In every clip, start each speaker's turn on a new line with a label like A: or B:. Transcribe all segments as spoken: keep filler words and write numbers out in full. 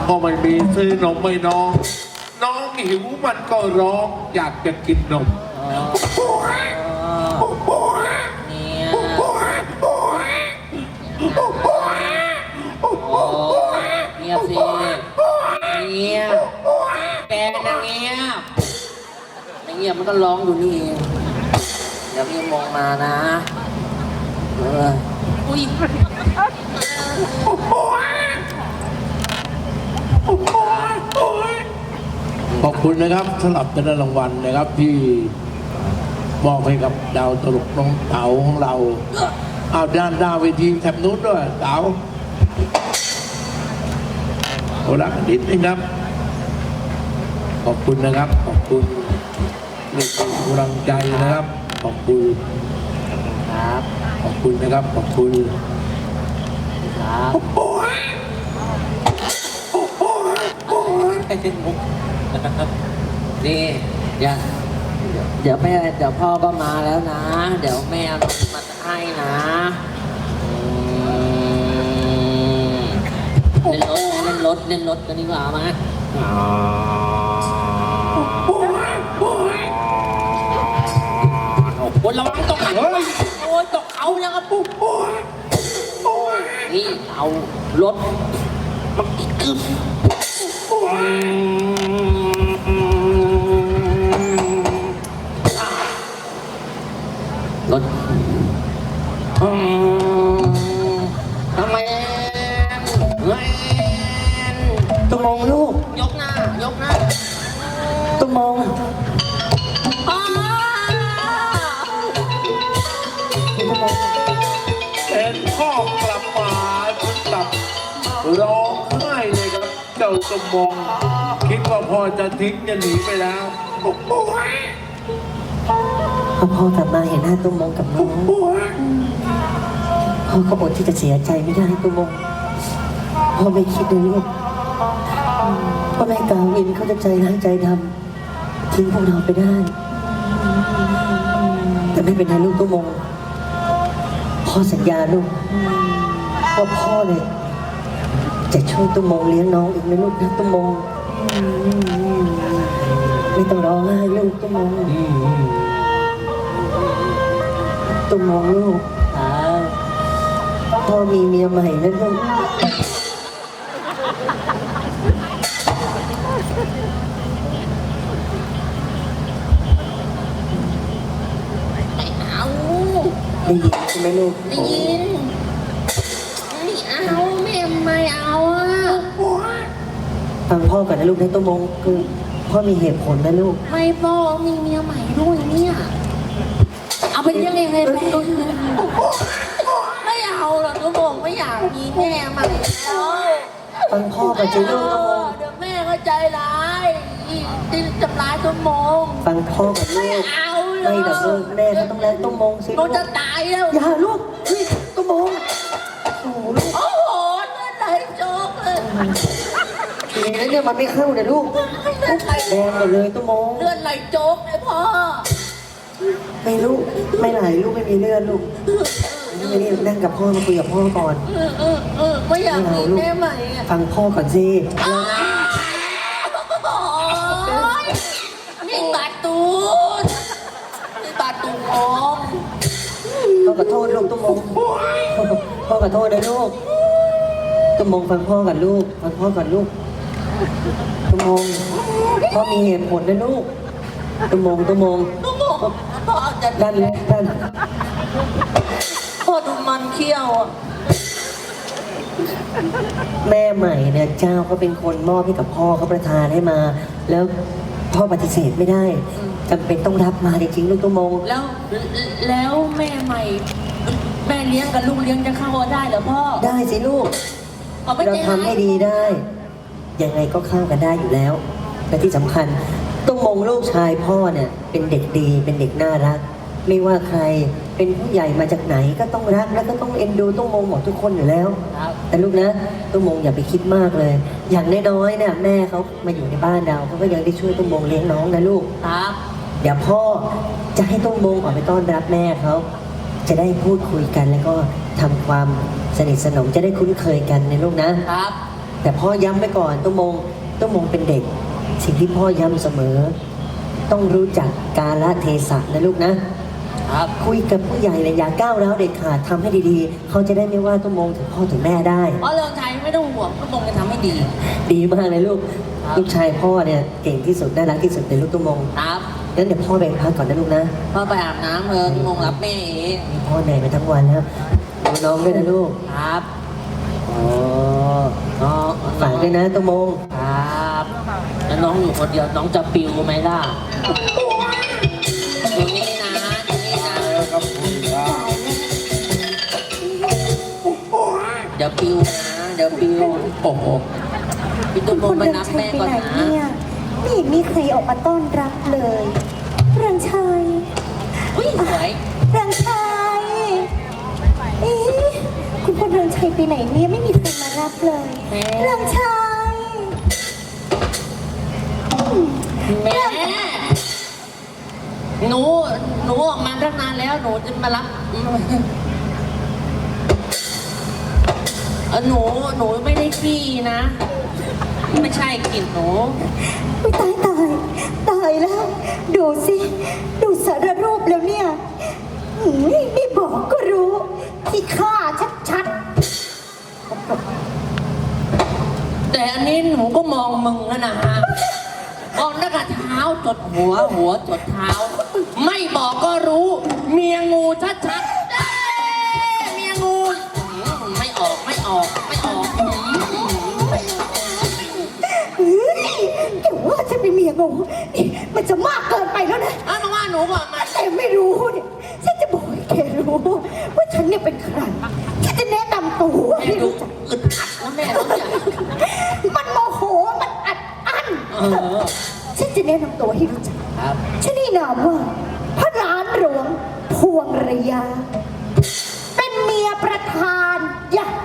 A: ก็ไม่มีซื้อนมไม่น้องน้องหิวมันก็ร้องอยากจะกินนม
B: เนี่ยเงียบสิเงียบแกนะเงียบไม่เงียบมันก็ร้องอยู่นี่เองเดี๋ยวพี่มองมานะเอออุ้ย
A: ขอบคุณนะครับสำหรับเงินรางวัลนะครับที่มอบให้กับดาวตลกน้องเต๋าของเราเอาด้านหน้าเวทีแถบนู้นด้วยเต๋าโอ้รักนิดนึงครับขอบคุณนะครับขอบคุณในกำลังใจนะครับขอบคุณ
B: ครับ
A: ขอบคุณนะครับขอบคุณ
B: ครับไอ้เจ้ามุกนี่เดี๋ยวเดี๋ยวแม่เดี๋ยวพ่อก็มาแล้วนะ เดี๋ยวแม่เอานมมาให้นะเล่นรถเล่นรถเล่นรถกันดีกว่ามาบนระวังตกเขาโอ้ยตกเขายังกระปุ๊บนี่เอารถมันกึ๊บรถทำไมเฮ้ยตุ้มมองลูกยกหน้ายกหน้าตุ้มมอง
A: เอ็นพ่อกลับมาถึงกับร้องไห้เลยครับเจ้าสมองคิดว่าพ่อจะทิ้งจะหนีไปแล้ว
C: พอพ่อกลับมาเห็นหน้าตุ้มมองกับน้องพ่อก็อดที่จะเสียใจไม่ได้ตุ้มมองพ่อไม่คิดเลยลูกพ่อแม่กาวินเขาจะใจร้ายใจดำทิ้งพวกเราไปได้แต่ไม่เป็นไรลูกตุ้มมองพ่อสัญญาลูกว่าพ่อเนี่ยจะช่วยตุ้มมองเลี้ยงน้องอีกนะลูกนะตุ้มมองไม่ต้องร้องไห้ลูกตุ้มมองตุ้มมองลูกพ่อมีเมียใหม่แล้วลูก
B: ไม่เอา
C: ได้ยินใช่ไหมลูก
B: ได้ยินไม่เอาแม่ไม่เอาอ่ะ
C: ฟังพ่อก่อนนะลูกนะตุ้มมองคือพ่อมีเหตุผลนะลูก
B: ไม่พ่อมีเมียใหม่ด้วยเนี่ยเอาเป็นยังไงไงไปไม่เอาหรอกทุกคนไม่อยากมีแม่ใหม่แล้ว
C: ฟังพ่อก่อนสิลูก
B: เดี๋ยวแม่ก็ใจร้ายที่ทำร้ายตุ้มมง
C: ฟังพ่อก่อนลูก
B: เอา
C: ไม่แต่ลูกแม่ก็ต้องแลกตุ้มมงสิ
B: ลูกจะตายแล้ว
C: อย่าลูกตุ้มมงโอ้โหลูก
B: โอ้โหเลือดไหลโจ๊กเลย
C: ทีนี้เนี่ยมันไม่เข้าเนี่ยลูกแดงหมดเลยตุ้มมง
B: เลือดไหลโจ๊กเลยพ่อ
C: ไม่ลูกไม่ไหลลูกไม่มีเลือดลูกไม่นี่นั่งกับพ่อมาคุยกับพ่อก่อน
B: เออเออเออไม่อยากมีแม่ใหม่
C: ฟังพ่อก่อนสิ
B: นี่บาดตูดนี่บาดตูดออก
C: พ่อขอโทษลูกตุ้มมงพ่อขอโทษนะลูกตุ้มมงฟังพ่อก่อนลูกฟังพ่อก่อนลูกตุ้มมงพ่อมีเหตุผลนะลูกตุ้มมงตุ้มมง
B: พ่อจะ
C: ดันดัน
B: พ่อดูมันเขี้ยว
C: แม่ใหม่เนี่ยเจ้าเขาเป็นคนมอบให้กับพ่อเขาประทานให้มาแล้วพ่อปฏิเสธไม่ได้จำเป็นต้องรับมาจริงๆลูกตุ้มมง
B: แล้วแล้วแม่ใหม่แม่เลี้ยงกับลูกเลี้ยงจะเข้าได้เหรอพ่อ
C: ได้สิลูกเราทำให้ดีได้ยังไงก็เข้ากันได้อยู่แล้วและที่สำคัญตุ้มมงลูกชายพ่อเนี่ยเป็นเด็กดีเป็นเด็กน่ารักไม่ว่าใครเป็นผู้ใหญ่มาจากไหนก็ต้องรักและก็ต้องเอ็นดูตุ้มมงหมดทุกคนอยู่แล้วแต่ลูกนะตุ้มมงอย่าไปคิดมากเลยอย่างน้อยๆเนี่ยแม่เขามาอยู่ในบ้านเราเขาก็ยังได้ช่วยตุ้มมงเลี้ยงน้องนะลูก
B: ครับ
C: เดี๋ยวพ่อจะให้ตุ้มมงออกไปต้อนรับแม่เขาจะได้พูดคุยกันแล้วก็ทำความสนิทสนมจะได้คุ้นเคยกันในลูกนะครับแต่พ่อย้ำไปก่อนตุ้มงตุ้มงเป็นเด็ก สิ่งที่พ่อย้ำเสมอ ต้องรู้จักกาลเทศะนะลูกนะครับ คุยกับผู้ใหญ่เลยอย่าก้าวร้าวเด็ดขาดทำให้ดีๆ เขาจะได้ไม่ว่าตุ้มงถึงพ่อถึงแม่ได้
B: เพราะเรื่องชัยไม่ต้องห่วงตุ้มงจะทำให้ดี
C: ดีมากเลยลูก
B: ครับ
C: ลูกชายพ่อเนี่ยเก่งที่สุดน่ารักที่สุดในลูกตุ้มง
B: ครับ
C: งั้นเดี๋ยวพ่อแบ่งพักก่อนนะลูกนะ
B: พ่อไปอาบน้ำเถอะตุ้มงรับแม่เอง
C: พ่อเหนื่อยมาทั้งวันแล้วดูน้องด้วยนะลูก
B: ครับ
C: อ๋อ
B: น้อง
C: ฝากด้วยนะตุ้มง
B: ครับแล้วน้องอยู่คนเดียวน้องจะปิวไหมล่ะอยู่นี่นะอยู่นี่นะ
A: ครับคุณครับ
B: เดี๋ยวปิวนะเดี๋ยวปิว
A: โอ้โห
B: พี่ตุ้มงไปนับแม่ก่อนนะ
D: เนี่ยไม่เห็นมีใครออกมาต้อนรับเลยเรืองชัย
B: อุ้ยสวย
D: เรืองชัยเอ๊ะคุณพลเรืองชัยไปไหนเนี่ยไม่มีใครมารับเลยเรืองชัย
B: แม่หนูหนูออกมาตั้งนานแล้วหนูจะมารับเออหนูหนูไม่ได้ขี้นะ ไม่ใช่กลิ่นหนู
D: ไม่ตายตายตายแล้ว ดูสิดูสารรูปแล้วเนี่ยหืมไม่บอกก็รู้ ที่ฆ่าชัด
B: แต่อันนี้หนูก็มองมึงแล้วนะฮะมองตั้งแต่เท้าจดหัวหัวจดเท้า ไม่บอกก็รู้ เมียงูชัดๆเอ้ยเมียงูอืมไม่ออกไม่ออกไม่ออกอืม
D: ๆเฮ้ยแต่ว่าจะเป็นเมียงูนี่มันจะมากเกินไปแล้วนะ
B: อ้าวมาว่าหนูก่อนมา
D: แต่ไม่รู้เนี่ยฉันจะบอกให้แกรู้ว่าฉันเนี่ยเป็นใครฉันจะแนะนำตัว
B: แม่
D: ให้
B: ดู
D: รู้จัก
B: อึดอัดนะแม่น้องใหญ่
D: มันโมโหมันอัดอั้น
B: เออ
D: ฉันจะแนะนำตัวให้รู้จัก
B: ครับ
D: ฉันนี่นามว่าพระร้านหลวงพวงระยา เป็นเมียประธานยะ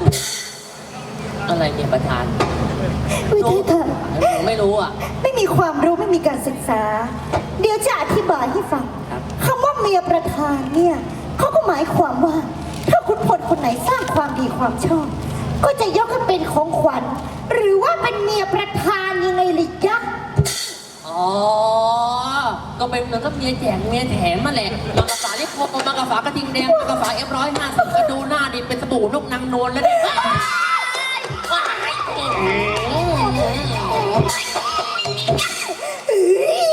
B: อะไรเนี่ยประธาน
D: วิธีเธอ
B: หนูไม่รู้อ่ะ
D: ไม่มีความรู้ไม่มีการศึกษา เดี๋ยวจะอธิบายให้ฟัง
B: ครับ
D: คำว่าเมียประธานเนี่ยเขาก็หมายความว่า ถ้าคุณพลคนไหนสร้างความดีความชอบ ก็จะยกให้เป็นของขวัญ หรือว่าเป็นเมียประธานยังไงลิจ๊ะ
B: อ๋อ ก็เป็นเหมือนกับเมียแจกเมียแถมมาแหละมากระฝาที่พกมากระฝากระทิงแดงมากระฝาเอฟร้อยห้าสิบกระดูหน้าดิเป็นสบู่นกนางนวลแล้วเนี่ยว้ายว้ายอืม
D: เอ้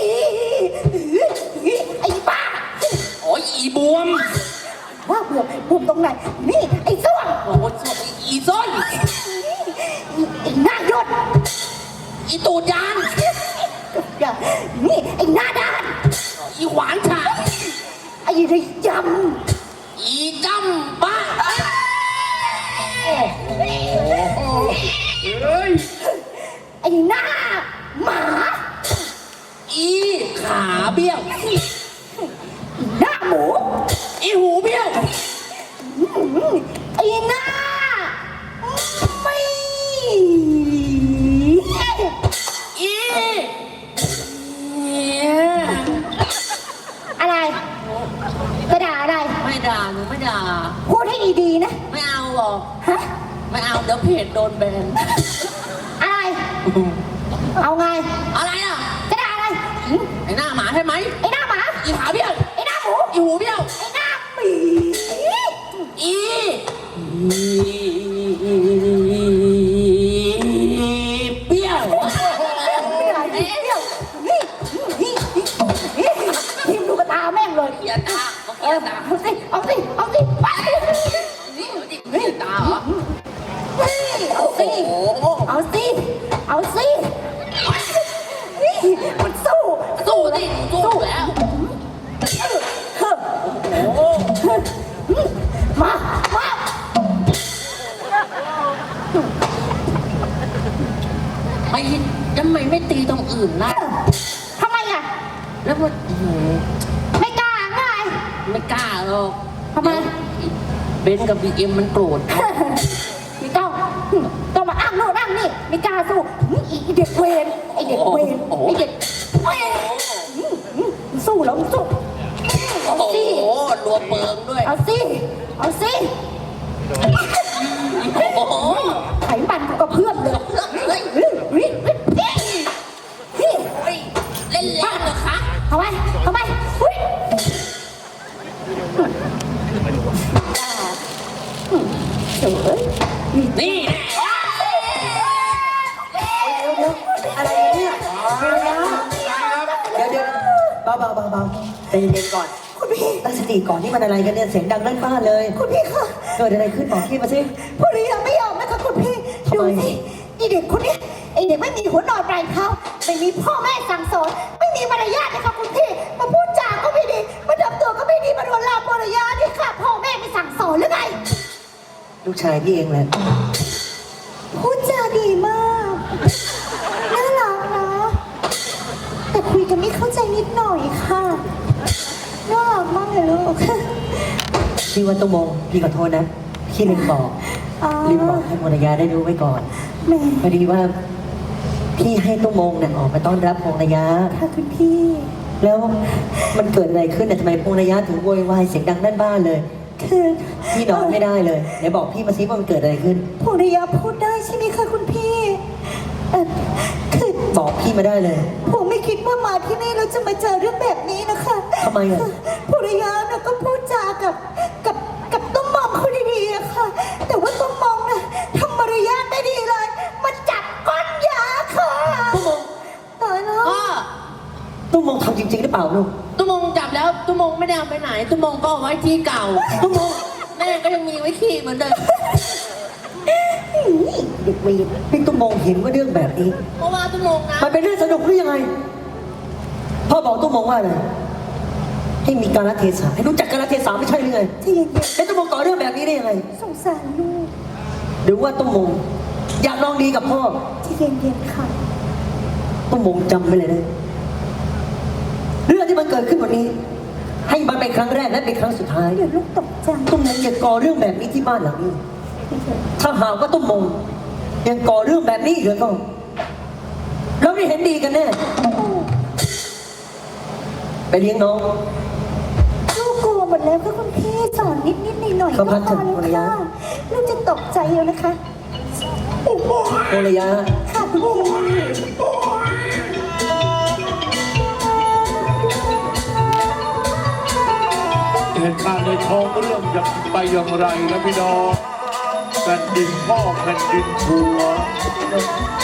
D: ยไอ้บ้า
B: โอ้ยอีบวม
D: ว่าเบื่อบุมตรงไหน นี่ไอ้ส้วม
B: โอ้โหอีส้น
D: ไอ้หน้าหยด
B: อีตูดยาน
D: อย่านี่ไอ้หน้าด้าน
B: อีหวานฉ่า
D: ไอ้ระย
B: อีจำบ้า
A: เฮ้ย
D: ำไอ้หน้าหมา
B: อีขาเบี้ยว
D: หน้าหมู
B: อีหูเบี้ยว
D: ไอ้หน้าไม่
B: อีเนี่ย
D: อะไรกระดาอะไร
B: ไม่ด่าหนูไม่ด่า
D: พูดให้ดีๆนะ
B: ไม่เอาหรอก
D: ฮะ
B: ไม่เอาเดี๋ยวเพจโดนแบน
D: อะไร เอาไง
B: อะไรอ่ะ
D: กระดาอะไรหืม
B: ไอ้หน้าหมาใช่ไหม
D: ไอ้หน้าหมา
B: อีขาเบี้ยว
D: ไอ้หน้าหมู
B: อีหูเบี้ยว
D: ไอ้หน้าหมี
B: อีเบี้ยว
D: เดี๋ยวนี่นี่นี่นี่ทีมดูกระตาแม่งเลย
B: อย่าตา
D: เออเอาสิ เอาสิ เอาสิไป
B: นี่นี่ตาเหรอ
D: เอาสิ
B: โอ้โห
D: เอาสิ เอาสินี่มันสู้
B: สู้ดิสู้แล้ว
D: เฮ้อ
B: โอ้โห
D: มา มา
B: ไม่ทำไมไม่ตีตรงอื่นล่ะ
D: ทำไมอ่ะ
B: แล้วมันอื้อหือ
D: ไม่กล้าไง
B: ไม่กล้าหรอก
D: ทำไม
B: เบนกับบีเอ็มมันโกรธ
D: ไม่ต้องต้องมาอ้างโน่นอ้างนี่ไม่กล้าสู้ไอเด็กเวรไอเด็กเวรไอเด็กเวรสู้แล้วสู้
B: โอ้
D: เอา
B: โห
D: สิ
B: รัวเปิงด้วย
D: เอาสิเอาสิ
B: โอ้โห
D: ไขมันกูกระเพื่อมเลย
B: เฮ้ย
D: เฮ้ยเฮ้ยเฮ้ยเฮ้ย
B: เฮ้ยเล่นแรงเหรอคะ
D: ทำไมทำไมเฮ้ยเดี๋ยวเอ้ย
B: นี่แน่
C: เดี๋ยวอะไรเนี่ยเดี๋ยวเดี๋ยวเบาเบาเบาเบาใจเย็นๆก่อน
D: คุณพี่
C: ตั้งสติก่อนนี่มันอะไรกันเนี่ยเสียงดังลั่นบ้านเลย
D: คุณพี่คะ
C: เกิดอะไรขึ้นบอกพี่มาสิ
D: ภรรยาไม่ยอมนะคะคุณพี่
C: ทำ
D: ดู
C: ไม
D: สิไอเด็กคนเนี้ยไอเด็กไม่มีหัวนอนปลายเท้าไม่มีพ่อแม่สั่งสอนไม่มีมารยาทนะคะคุณพี่มาพูดจาก็ไม่ดีมาทำตัวก็ไม่ดีมาโดนลามมารยาทนี่ค่ะพ่อแม่ไม่สั่งสอนหรือไง
C: ลูกชายพี่เองแหละ
D: พูดจาดีมากน่ารักนะแต่คุยกันไม่เข้าใจนิดหน่อยค่ะน่ารักมากเลยลูก
C: พี่ว่าตุ้มมงพี่ขอโทษนะพี่ลืมบอก
D: อ๋อ
C: ลืมบอกให้ภรรยาได้รู้ไว้ก่อน
D: แม่
C: พอดีว่าพี่ให้ตุ้มมงเนี่ยออกมาต้อนรับภรรยา
D: ค่ะคุณพี่
C: แล้วมันเกิดอะไรขึ้นน่ะทำไมภรรยาถึงโวยวายเสียงดังด้านบ้านเลย
D: คือ
C: พี่นอนไม่ได้เลยเดี๋ยวบอกพี่มาซิว่ามันเกิดอะไรขึ้น
D: ภรรยาพูดได้ใช่ไหมคะคุณพี่เออคือ
C: บอกพี่มาได้เลย
D: ผมไม่คิดว่ามาที่นี่เราจะมาเจอเรื่องแบบนี้นะคะ
C: ทำไมอะ
D: ภรรยาน่ะก็พูดจากับกับกับต้มมองเขาดีๆอะค่ะ แต่ว่าต้มมองน่ะทำมารยาทไม่ดีเลยมาจับก้อนยาค่ะ
C: ตุ้มมง
D: ตายแล้ว
B: พ่อ
C: ตุ้มมงทำจริงๆหรือเปล่าลูก
B: ตุ้มงจับแล้วตุ้มงไม่ได้เอาไปไหนตุ้มงก็เอาไว้ที่เก่าตุ้มงแม่ก็ยังมีไว้ขี่เหมือนเดิม
C: เด็กเวรพี่ตุ้มมงเห็นว่าเรื่องแบบนี้
B: เพราะว่าตุ้มงนะ
C: มันเป็นเรื่องสนุกหรือยังไง พ่อบอกตุ้มมงว่าอะไรให้มีการละเทศะให้รู้จักการละเทศะไม่ใช่หรือไง
D: ใจเย็น
C: แล้วตุ้มมงก่อเรื่องแบบนี้ได้ยังไง
D: ๆสงสารลูก
C: หรือว่าตุ้มมงอยากลองดีกับพ่อ
D: ใจเย็นๆค่ะ
C: ตุ้มมงจำไว้เลยนะเรื่องที่มันเกิดขึ้นวันนี้ ให้มันเป็นครั้งแรกและเป็นครั้งสุดท้าย
D: เดี๋ยวลูกตกใจ
C: ตุ้มมงอย่าก่อเรื่องแบบนี้ที่บ้านหลังนี้ ถ้าหากว่าตุ้มมงยังก่อเรื่องแบบนี้อีกแล้วก็เราไม่เห็นดีกันแน่ไปเลี้ยงน้อง
D: ลูกกลัวหมดแล้วค่ะคุณพี่สอนนิดนิดหน่อยหน่อยๆ
C: เขาพักเถ
D: ก็
C: อะ
D: พอ
C: ภรร
D: แล้ว
C: ยา
D: ค่ะลูกจะตกใจแล้วนะคะ
C: ภรรยา
D: ค่ะคุณพี่
A: เหตุการณ์ในท้องเรื่องจะไปอย่างไรนะพี่น้องแผ่นดินพ่อแผ่นดินผัว